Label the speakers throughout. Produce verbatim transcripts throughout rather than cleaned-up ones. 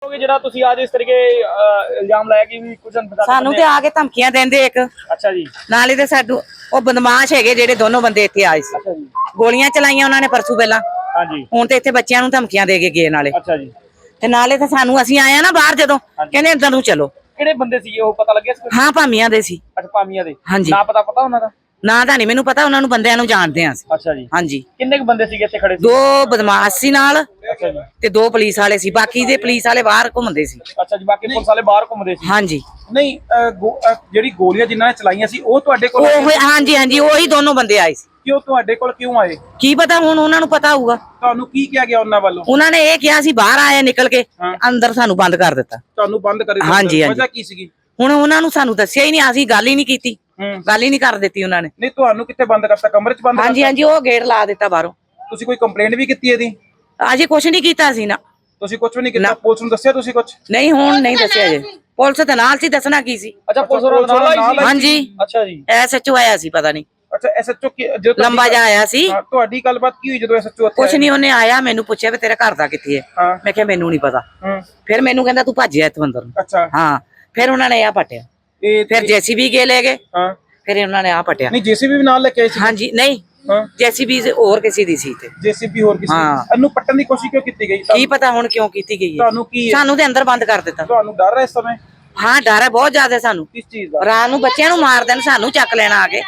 Speaker 1: ਜਿਹੜਾ ਤੁਸੀਂ ਅੱਜ ਇਸ ਤਰੀਕੇ ਇਲਜ਼ਾਮ ਲਾਇਆ ਕਿ ਵੀ ਕੁਝ
Speaker 2: ਸਾਨੂੰ ਤੇ ਆ ਕੇ ਧਮਕੀਆਂ ਦਿੰਦੇ ਇੱਕ।
Speaker 1: ਅੱਛਾ ਜੀ।
Speaker 2: ਨਾਲੇ ਤੇ ਸਾਡੂ ਉਹ ਬਦਮਾਸ਼ ਹੈਗੇ ਜਿਹੜੇ ਦੋਨੋਂ ਬੰਦੇ ਇੱਥੇ ਆਏ ਸੀ।
Speaker 1: ਅੱਛਾ ਜੀ।
Speaker 2: ਗੋਲੀਆਂ ਚਲਾਈਆਂ ਉਹਨਾਂ ਨੇ ਪਰਸੋਂ ਪਹਿਲਾਂ।
Speaker 1: ਹਾਂਜੀ।
Speaker 2: ਹੁਣ ਤੇ ਇੱਥੇ ਬੱਚਿਆਂ ਨੂੰ ਧਮਕੀਆਂ ਦੇ ਕੇ ਗਏ ਨਾਲੇ।
Speaker 1: ਅੱਛਾ ਜੀ।
Speaker 2: ਤੇ ਨਾਲੇ ਤੇ ਸਾਨੂੰ ਅਸੀਂ ਆਏ ਆ ਨਾ ਬਾਹਰ ਜਦੋਂ ਕਹਿੰਦੇ ਅੰਦਰ ਨੂੰ ਚਲੋ।
Speaker 1: ਕਿਹੜੇ ਬੰਦੇ ਸੀਗੇ ਉਹ ਪਤਾ ਲੱਗਿਆ ਸੀ?
Speaker 2: ਹਾਂ ਭਾਮੀਆਂ ਦੇ ਸੀ।
Speaker 1: ਅੱਛਾ ਭਾਮੀਆਂ ਦੇ।
Speaker 2: ਹਾਂਜੀ।
Speaker 1: ਨਾ ਪਤਾ ਪਤਾ ਉਹਨਾਂ ਦਾ?
Speaker 2: ਨਾ ਤਾਂ ਨਹੀਂ ਮੈਨੂੰ ਪਤਾ, ਉਹਨਾਂ ਨੂੰ ਬੰਦਿਆਂ ਨੂੰ ਜਾਣਦੇ ਆ ਅਸੀਂ।
Speaker 1: ਅੱਛਾ ਜੀ।
Speaker 2: ਹਾਂਜੀ।
Speaker 1: ਕਿੰਨੇ ਕੁ ਬੰਦੇ ਸੀਗੇ ਇੱਥੇ ਖੜੇ ਸੀ?
Speaker 2: ਦੋ ਬਦਮਾਸ਼ ਸੀ ਨਾਲ।
Speaker 1: ਅੱਛਾ ਜੀ।
Speaker 2: ਤੇ ਦੋ ਪੁਲਿਸ ਵਾਲੇ ਸੀ, ਬਾਕੀ ਦੇ ਪੁਲਿਸ ਵਾਲੇ ਬਾਹਰ ਘੁੰਮਦੇ ਸੀ।
Speaker 1: ਅੱਛਾ ਜੀ, ਬਾਕੀ ਪੁਲਿਸ ਵਾਲੇ ਬਾਹਰ ਘੁੰਮਦੇ ਸੀ।
Speaker 2: ਹਾਂਜੀ।
Speaker 1: ਨਹੀਂ ਜਿਹੜੀ ਗੋਲੀਆਂ ਜਿਨ੍ਹਾਂ ਨੇ ਚਲਾਈਆਂ ਸੀ ਉਹ ਤੁਹਾਡੇ ਕੋਲ?
Speaker 2: ਉਹ ਹਾਂਜੀ ਹਾਂਜੀ ਉਹੀ ਦੋਨੋਂ ਬੰਦੇ ਆਏ ਸੀ।
Speaker 1: ਕਿ ਉਹ ਤੁਹਾਡੇ ਕੋਲ ਕਿਉਂ ਆਏ?
Speaker 2: ਕੀ ਪਤਾ, ਹੁਣ ਉਹਨਾਂ ਨੂੰ ਪਤਾ ਹੋਊਗਾ।
Speaker 1: ਤੁਹਾਨੂੰ ਕੀ ਕਿਹਾ ਗਿਆ ਉਹਨਾਂ ਵੱਲੋਂ?
Speaker 2: ਉਹਨਾਂ ਨੇ ਇਹ ਕਿਹਾ ਸੀ ਬਾਹਰ ਆਏ ਨਿਕਲ ਕੇ, ਅੰਦਰ ਸਾਨੂੰ ਬੰਦ ਕਰ ਦਿੱਤਾ।
Speaker 1: ਤੁਹਾਨੂੰ ਬੰਦ ਕਰ ਦਿੱਤਾ?
Speaker 2: ਹਾਂਜੀ ਹਾਂਜੀ।
Speaker 1: ਵਜ੍ਹਾ ਕੀ ਸੀਗੀ?
Speaker 2: ਹੁਣ ਉਹਨਾਂ ਨੂੰ ਸਾਨੂੰ ਦੱਸਿਆ ਹੀ ਨਹੀਂ, ਅਸੀਂ ਗੱਲ ਹੀ ਨਹੀਂ ਕੀਤੀ, ਗੱਲ ਹੀ ਨਹੀਂ ਕਰ ਦਿੱਤੀ ਉਹਨਾਂ ਨੇ।
Speaker 1: ਨਹੀਂ ਤੁਹਾਨੂੰ ਕਿੱਥੇ ਬੰਦ ਕਰਤਾ? ਕਮਰੇ 'ਚ ਬੰਦ?
Speaker 2: ਹਾਂਜੀ ਹਾਂਜੀ, ਉਹ ਗੇਟ ਲਾ ਦਿੱਤਾ ਬਾਹਰੋਂ।
Speaker 1: ਤੁਸੀਂ ਕੋਈ ਕੰਪਲੇਂਟ ਵੀ ਕੀਤੀ ਇਹਦੀ?
Speaker 2: ਅਜੇ ਕੁਛ ਨਹੀਂ ਕੀਤਾ ਸੀ ਨਾ।
Speaker 1: ਤੁਸੀਂ ਕੁਝ ਵੀ ਨਹੀਂ ਕੀਤਾ? ਪੁਲਿਸ ਨੂੰ ਦੱਸਿਆ ਤੁਸੀਂ ਕੁਝ?
Speaker 2: ਨਹੀਂ, ਹੁਣ ਨਹੀਂ ਦੱਸਿਆ ਜੇ। ਪੁਲਿਸ ਤੇ ਨਾਲ ਸੀ, ਦੱਸਣਾ ਕੀ ਸੀ।
Speaker 1: ਅੱਛਾ, ਪੁਲਿਸ ਨਾਲ ਆਈ ਸੀ?
Speaker 2: ਹਾਂਜੀ।
Speaker 1: ਅੱਛਾ ਜੀ।
Speaker 2: ਐਸਐਚਓ ਆਇਆ ਸੀ, ਪਤਾ ਨਹੀਂ।
Speaker 1: ਅੱਛਾ, ਐਸਐਚਓ ਜਦੋਂ
Speaker 2: ਲੰਬਾ ਜਿਹਾ ਆਇਆ ਸੀ।
Speaker 1: ਤੁਹਾਡੀ ਗੱਲਬਾਤ ਕੀ ਹੋਈ ਜਦੋਂ ਐਸਐਚਓ ਉੱਥੇ?
Speaker 2: ਕੁਛ ਨਹੀਂ, ਉਹਨੇ ਆਇਆ ਮੈਨੂੰ ਪੁੱਛਿਆ ਵੀ ਤੇਰਾ ਘਰ ਦਾ ਕਿੱਥੇ ਹੈ। ਮੈਂ ਕਿਹਾ ਮੈਨੂੰ ਨਹੀਂ ਪਤਾ। ਫਿਰ ਮੈਨੂੰ ਕਹਿੰਦਾ ਤੂੰ ਭੱਜਿਆ ਇੱਥੋਂ ਅੰਦਰ ਨੂੰ।
Speaker 1: ਅੱਛਾ।
Speaker 2: ਹਾਂ, ਫਿਰ ਉਹਨਾਂ ਨੇ ਆ ਪਟਿਆ। ਫਿਰ ਜੇਸੀਬੀ ਗੇ ਲੈ ਗਏ।
Speaker 1: ਹਾਂ।
Speaker 2: ਫਿਰ ਉਹਨਾਂ ਨੇ ਆ ਪਟਿਆ।
Speaker 1: ਨਹੀਂ ਜੇਸੀਬੀ ਵੀ ਨਾਲ ਲੈ ਕੇ ਆਏ ਸੀ?
Speaker 2: ਹਾਂਜੀ। ਨਹੀਂ, ਜੇਸੀਬੀ ਹੋਰ ਕਿਸੇ ਦੀ ਸੀ ਤੇ।
Speaker 1: ਜੇਸੀਬੀ ਹੋਰ ਕਿਸੇ ਦੀ? ਇਹਨੂੰ ਪੱਟਣ ਦੀ ਕੋਸ਼ਿਸ਼ ਕਿਉਂ ਕੀਤੀ ਗਈ?
Speaker 2: ਕੀ ਪਤਾ ਹੁਣ ਕਿਉਂ ਕੀਤੀ ਗਈ ਹੈ।
Speaker 1: ਤੁਹਾਨੂੰ ਕੀ
Speaker 2: ਸਾਨੂੰ ਤੇ ਅੰਦਰ ਬੰਦ ਕਰ ਦਿੱਤਾ।
Speaker 1: ਤੁਹਾਨੂੰ ਡਰ ਹੈ ਇਸ ਸਮੇਂ?
Speaker 2: ਹਾਂ, ਡਰ ਹੈ ਬਹੁਤ ਜ਼ਿਆਦਾ ਸਾਨੂੰ।
Speaker 1: ਕਿਸ ਚੀਜ਼ ਦਾ?
Speaker 2: ਰਾਤ ਨੂੰ ਬੱਚਿਆਂ ਨੂੰ ਮਾਰ ਦੇਣ, ਸਾਨੂੰ ਚੱਕ ਲੈਣਾ ਆ ਕੇ।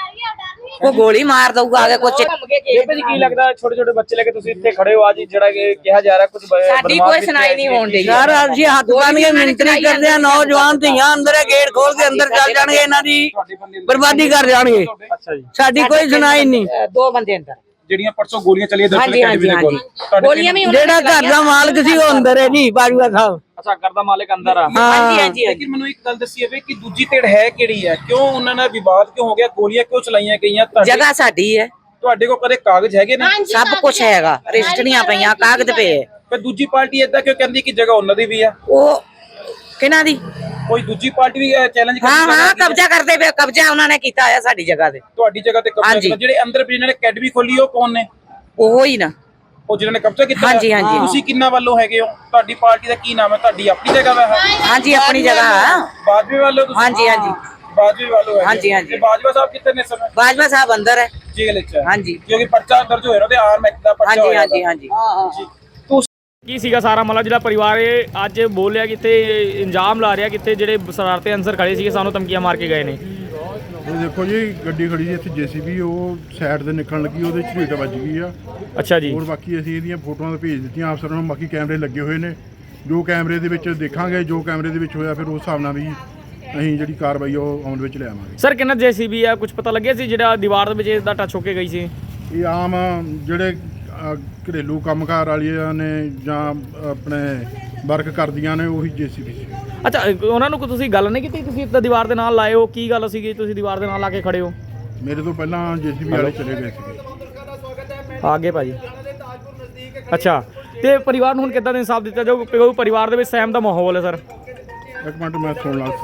Speaker 2: ਉਹ ਗੋਲੀ ਮਾਰ ਦਊਗਾ ਆ ਕੇ ਕੁਛ।
Speaker 1: ਬੇਬੇ ਜੀ ਕੀ ਲੱਗਦਾ ਛੋਟੇ ਛੋਟੇ ਬੱਚੇ ਲੈ ਕੇ ਤੁਸੀਂ ਇੱਥੇ ਖੜੇ ਹੋ ਅੱਜ, ਜਿਹੜਾ ਕਿ ਕਿਹਾ ਜਾ ਰਿਹਾ ਕੁਝ
Speaker 2: ਸਾਡੀ ਕੋਈ ਸੁਣਾਈ ਨਹੀਂ ਹੋਣ ਡਈ
Speaker 3: ਯਾਰ ਅਸੀਂ ਹੱਥ ਬੰਨ ਕੇ ਮਿੰਟਰੀ ਕਰਦੇ ਆ, ਨੌਜਵਾਨ ਧੀਆਂ ਅੰਦਰ ਗੇਟ ਖੋਲ ਕੇ ਅੰਦਰ ਚੱਲ ਜਾਣਗੇ, ਇਹਨਾਂ ਦੀ ਬਰਬਾਦੀ ਕਰ ਜਾਣਗੇ।
Speaker 1: ਅੱਛਾ ਜੀ।
Speaker 3: ਸਾਡੀ ਕੋਈ ਸੁਣਾਈ ਨਹੀਂ।
Speaker 2: ਦੋ ਬੰਦੇ ਅੰਦਰ
Speaker 1: ਜਿਹੜੀਆਂ ਪਰਸੋਂ ਗੋਲੀਆਂ ਚੱਲੀਆਂ ਦਰਸ਼ਨ ਅਕੈਡਮੀ ਦੇ ਕੋਲ,
Speaker 2: ਗੋਲੀਆਂ ਵੀ
Speaker 3: ਜਿਹੜਾ ਘਰ ਦਾ ਮਾਲਕ ਸੀ ਉਹ ਅੰਦਰ ਹੈ ਜੀ, ਬਾਜੂਆ ਸਾਹਿਬ।
Speaker 1: ਅੱਛਾ, ਘਰ ਦਾ ਮਾਲਕ ਅੰਦਰ ਆ?
Speaker 2: ਹਾਂਜੀ ਹਾਂਜੀ।
Speaker 1: ਲੇਕਿਨ ਮੈਨੂੰ ਇੱਕ ਗੱਲ ਦੱਸੀ ਜਾਵੇ ਕਿ ਦੂਜੀ ਧਿਰ ਹੈ ਕਿਹੜੀ ਹੈ? ਕਿਉਂ ਉਹਨਾਂ ਨਾਲ ਵਿਵਾਦ ਕਿਉਂ ਹੋ ਗਿਆ? ਗੋਲੀਆਂ ਕਿਉਂ ਚਲਾਈਆਂ ਗਈਆਂ?
Speaker 2: ਜਗ੍ਹਾ ਸਾਡੀ ਹੈ।
Speaker 1: ਤੁਹਾਡੇ ਕੋਲ ਕਦੇ ਕਾਗਜ਼ ਹੈਗੇ ਨੇ?
Speaker 2: ਸਭ ਕੁਝ ਹੈਗਾ, ਰਜਿਸਟਰੀਆਂ ਪਈਆਂ, ਕਾਗਜ਼ ਪਏ।
Speaker 1: ਫਿਰ ਦੂਜੀ ਪਾਰਟੀ ਏਦਾਂ ਕਿਉਂ ਕਹਿੰਦੀ ਕਿ ਜਗ੍ਹਾ ਉਹਨਾਂ ਦੀ ਵੀ ਆ?
Speaker 2: ਉਹ ਕਿਹਨਾਂ ਦੀ?
Speaker 1: ਕੋਈ ਦੂਜੀ ਪਾਰਟੀ ਵੀ ਚੈਲੰਜ ਕਰਦੀ?
Speaker 2: ਹਾਂ ਹਾਂ, ਕਬਜ਼ਾ ਕਰਦੇ ਪਏ। ਕਬਜ਼ਾ ਉਹਨਾਂ ਨੇ ਕੀਤਾ ਆ ਸਾਡੀ ਜਗ੍ਹਾ ਤੇ।
Speaker 1: ਤੁਹਾਡੀ ਜਗ੍ਹਾ ਤੇ ਕਬਜ਼ਾ ਕੀਤਾ? ਜਿਹੜੇ ਅੰਦਰ ਜਿਹਨਾਂ ਨੇ ਅਕੈਡਮੀ ਖੋਲੀ ਉਹ ਕੌਣ ਨੇ?
Speaker 2: ਉਹ ਹੀ ਨਾ,
Speaker 1: ਉਹ ਜਿਹਨਾਂ ਨੇ ਕਬਜ਼ਾ ਕੀਤਾ?
Speaker 2: ਹਾਂਜੀ ਹਾਂਜੀ।
Speaker 1: ਤੁਸੀਂ ਕਿੰਨਾ ਵੱਲੋਂ ਹੈਗੇ ਹੋ? ਤੁਹਾਡੀ ਪਾਰਟੀ ਦਾ ਕੀ ਨਾਮ ਹੈ? ਤੁਹਾਡੀ ਆਪਣੀ ਜਗ੍ਹਾ ਵਾ?
Speaker 2: ਹਾਂਜੀ, ਆਪਣੀ ਜਗ੍ਹਾ।
Speaker 1: ਬਾਜਵੇ ਵੱਲੋਂ ਤੁਸੀਂ?
Speaker 2: ਹਾਂਜੀ ਹਾਂਜੀ।
Speaker 1: ਬਾਜਵੇ ਵੱਲੋਂ ਹੈ?
Speaker 2: ਹਾਂਜੀ ਹਾਂਜੀ।
Speaker 1: ਬਾਜਵਾ ਸਾਹਿਬ ਕਿੱਥੇ ਨੇ ਇਸ ਸਮੇਂ?
Speaker 2: ਬਾਜਵਾ ਸਾਹਿਬ ਅੰਦਰ ਹੈ
Speaker 1: ਜੇਲ੍ਹ ਵਿੱਚ?
Speaker 2: ਹਾਂਜੀ।
Speaker 1: ਕਿਉਂਕਿ ਪਰਚਾ ਦਰਜ ਹੋਇਆ ਉਹਦੇ ਆਰਮ ਐਕਟ ਦਾ ਪਰਚਾ
Speaker 2: ਹੋਇਆ। ਹਾਂਜੀ ਹਾਂਜੀ ਹਾਂਜੀ।
Speaker 1: ਕੀ ਸੀਗਾ ਸਾਰਾ ਮਾਮਲਾ ਜਿਹੜਾ ਪਰਿਵਾਰ ਇਹ ਅੱਜ ਬੋਲਿਆ ਕਿਤੇ ਇੰਜਾਮ ਲਾ ਰਿਹਾ ਕਿਤੇ ਜਿਹੜੇ ਸ਼ਰਾਰਤੀ ਅਨਸਰ ਖੜੇ ਸੀਗੇ ਸਾਨੂੰ ਧਮਕੀਆਂ ਮਾਰ ਕੇ ਗਏ ਨੇ?
Speaker 4: ਇਹ ਦੇਖੋ ਜੀ, ਗੱਡੀ ਖੜੀ ਸੀ ਇੱਥੇ ਜੇਸੀਬੀ, ਉਹ ਸਾਈਡ ਤੇ ਨਿਕਲਣ ਲੱਗੀ, ਉਹਦੇ ਝਰੀਟ ਵੱਜ ਗਈ ਆ।
Speaker 1: ਅੱਛਾ ਜੀ।
Speaker 4: ਹੋਰ ਬਾਕੀ ਅਸੀਂ ਇਹਦੀਆਂ ਫੋਟੋਆਂ ਭੇਜ ਦਿੱਤੀਆਂ ਅਫਸਰਾਂ ਨੂੰ, ਬਾਕੀ ਕੈਮਰੇ ਲੱਗੇ ਹੋਏ ਨੇ, ਜੋ ਕੈਮਰੇ ਦੇ ਵਿੱਚ ਦੇਖਾਂਗੇ, ਜੋ ਕੈਮਰੇ ਦੇ ਵਿੱਚ ਹੋਇਆ ਫਿਰ ਉਸ ਹਿਸਾਬ ਨਾਲ ਵੀ ਅਸੀਂ ਜਿਹੜੀ ਕਾਰਵਾਈ ਉਹ ਆਉਣ ਵਿੱਚ ਲਿਆਵਾਂਗੇ।
Speaker 1: ਸਰ ਕਿੰਨਾ ਜੇਸੀਬੀ ਆ, ਕੁਝ ਪਤਾ ਲੱਗਿਆ ਸੀ ਜਿਹੜਾ ਦੀਵਾਰ ਦੇ ਵਿੱਚ ਇਸਦਾ ਟੱਚ ਹੋ ਕੇ ਗਈ ਸੀ?
Speaker 4: ਇਹ ਆਮ ਜਿਹੜੇ ਘਰੇਲੂ ਕੰਮਕਾਰ ਵਾਲੀਆਂ ਨੇ ਜਾਂ ਆਪਣੇ ਵਰਕ ਕਰਦੀਆਂ ਨੇ ਉਹੀ ਜੇਸੀਬੀ ਸੀ।
Speaker 1: ਅੱਛਾ, ਉਹਨਾਂ ਨੂੰ ਤੁਸੀਂ ਗੱਲ ਨਹੀਂ ਕੀਤੀ? ਤੁਸੀਂ ਤਾਂ ਦੀਵਾਰ ਦੇ ਨਾਲ ਲਾਏ ਹੋ, ਕੀ ਗੱਲ ਸੀਗੀ ਤੁਸੀਂ ਦੀਵਾਰ ਦੇ ਨਾਲ ਲਾ ਕੇ ਖੜੇ ਹੋ?
Speaker 4: ਮੇਰੇ ਤੋਂ ਪਹਿਲਾਂ ਜੇਸੀਬੀ ਵਾਲੇ ਚਲੇ ਗਏ ਸੀਗੇ
Speaker 1: ਆਗੇ ਭਾਜੀ। ਅੱਛਾ, ਤੇ ਪਰਿਵਾਰ ਨੂੰ ਹੁਣ ਕਿੱਦਾਂ ਦਾ ਇਨਸਾਫ ਦਿੱਤਾ ਜਾਊ? ਪਰਿਵਾਰ ਦੇ ਵਿੱਚ ਸਹਿਮ ਦਾ ਮਾਹੌਲ ਹੈ ਸਰ?
Speaker 4: ਇੱਕ ਮਿੰਟ ਮੈਂ ਸੁਣ ਲਾ।